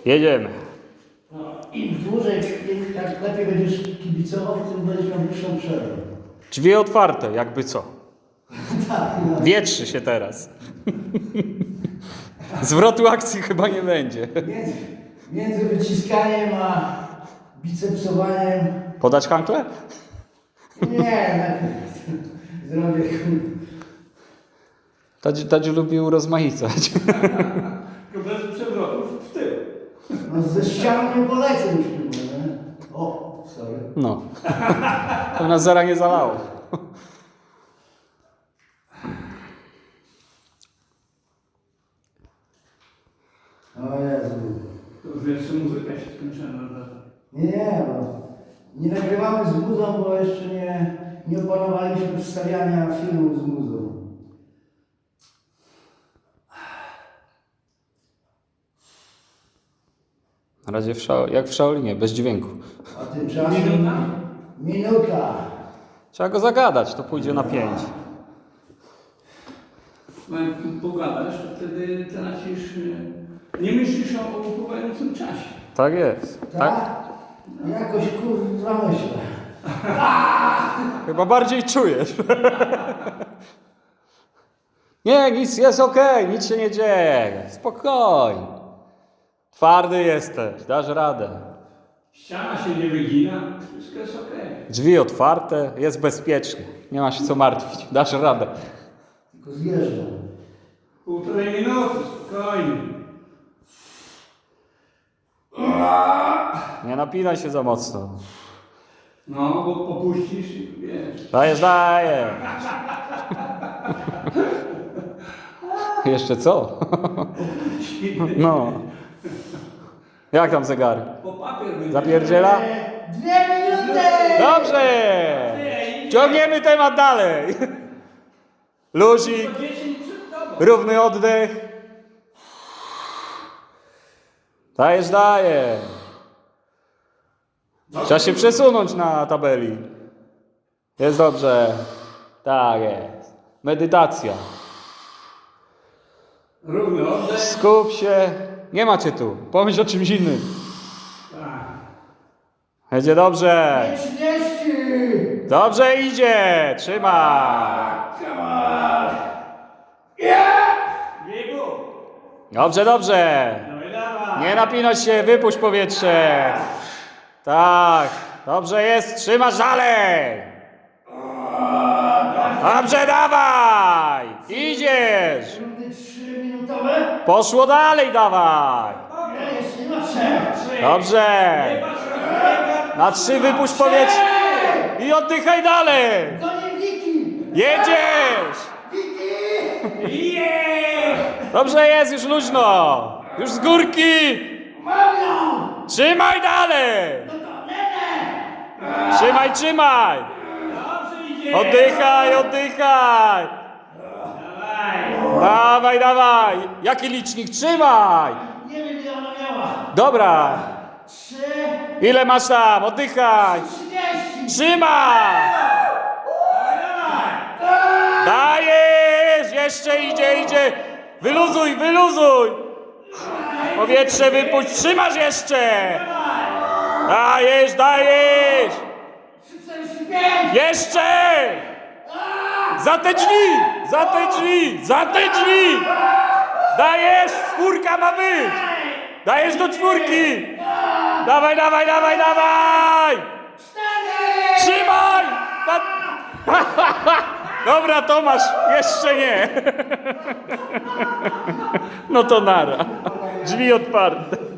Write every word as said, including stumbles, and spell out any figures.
Jedziemy. No, im dłużej, im tak lepiej będziesz kibicował, tym będziesz miał dłuższą przerwę. Drzwi otwarte, jakby co. Tak, no. Wietrzy się teraz. Zwrotu akcji chyba nie będzie. Między, między wyciskaniem a bicepsowaniem. Podać hankle? Nie, najpierw zrobię. Tadziu, Tadziu lubi urozmaicać. Tylko bez przewrotów w tył. No ze ścianą nie polecę już chyba, nie? O, sorry. No. To nas zara nie zalało. O Jezu. To jeszcze muzyka się skończyła. Nie, bo nie nagrywamy z muzą, bo jeszcze nie, nie opanowaliśmy wstawiania filmów z muzą. Na razie w szao, jak w Shaolinie, bez dźwięku. A tymczasem... Minuta? Minuta. Trzeba go zagadać, to pójdzie na pięć. No jak pogadasz, to wtedy tracisz... e, Nie myślisz o upływającym czasie. Tak jest. Tak? Tak? Jakoś kurwa myślę. Chyba bardziej czujesz. Nie, nic, jest okej, nic się nie dzieje. Spokojnie. Twardy jesteś, dasz radę. Ściana się nie wygina, wszystko jest okej. Drzwi otwarte, jest bezpiecznie. Nie ma się co martwić, dasz radę. Tylko zjeżdżam. Półtorej minuty, spokojnie. Nie napinaj się za mocno. No, bo popuścisz i wiesz. Dajesz, dajesz. Jeszcze co? No. Jak tam zegar? Po papier będzie. Zapierdziela? Dwie minuty! Dobrze! Ciągniemy temat dalej. Luzik, To dziesięć przed tobą. równy oddech. Dajesz, dajesz. Trzeba się przesunąć na tabeli. Jest dobrze. Tak jest. Medytacja. Równy oddech. Skup się. Nie macie tu. Pomyśl o czymś innym. Tak. Będzie dobrze. trzydzieści! Dobrze idzie. Trzymaj. Biegu. Dobrze, dobrze. Dawaj, dawaj. Nie napinać się, wypuść powietrze. Tak. Dobrze jest. Trzymasz dalej. Dobrze, dawaj. Idziesz. Rundy trzyminutowe? Poszło dalej, dawaj. Nie, jeszcze nie ma trzech. Dobrze. Na trzy wypuść powietrze. I oddychaj dalej. To nie Wiki! Jedziesz. Wiki! Dobrze jest, już luźno. Już z górki. Mam ją! Trzymaj dalej. No to nie, nie! Trzymaj, trzymaj. Dobrze idzie. Oddychaj, oddychaj. Dawaj. Dawaj, dawaj. Jaki licznik? Trzymaj. Nie wiem ile ona miała. Dobra. Trzy... Ile masz tam? Oddychaj. Trzydzieści! Trzymaj. Dajesz. Jeszcze idzie, idzie. Wyluzuj, wyluzuj. Powietrze wypuść. Trzymasz jeszcze. Dajesz, dajesz. czterdzieści pięć! Jeszcze. Za te drzwi. Za te drzwi. Za te drzwi. Dajesz. Czwórka ma być. Dajesz do czwórki. Dawaj, dawaj, dawaj, dawaj. Cztery! Trzymaj. Na... Dobra, Tomasz, jeszcze nie. No to nara. Drzwi otwarte.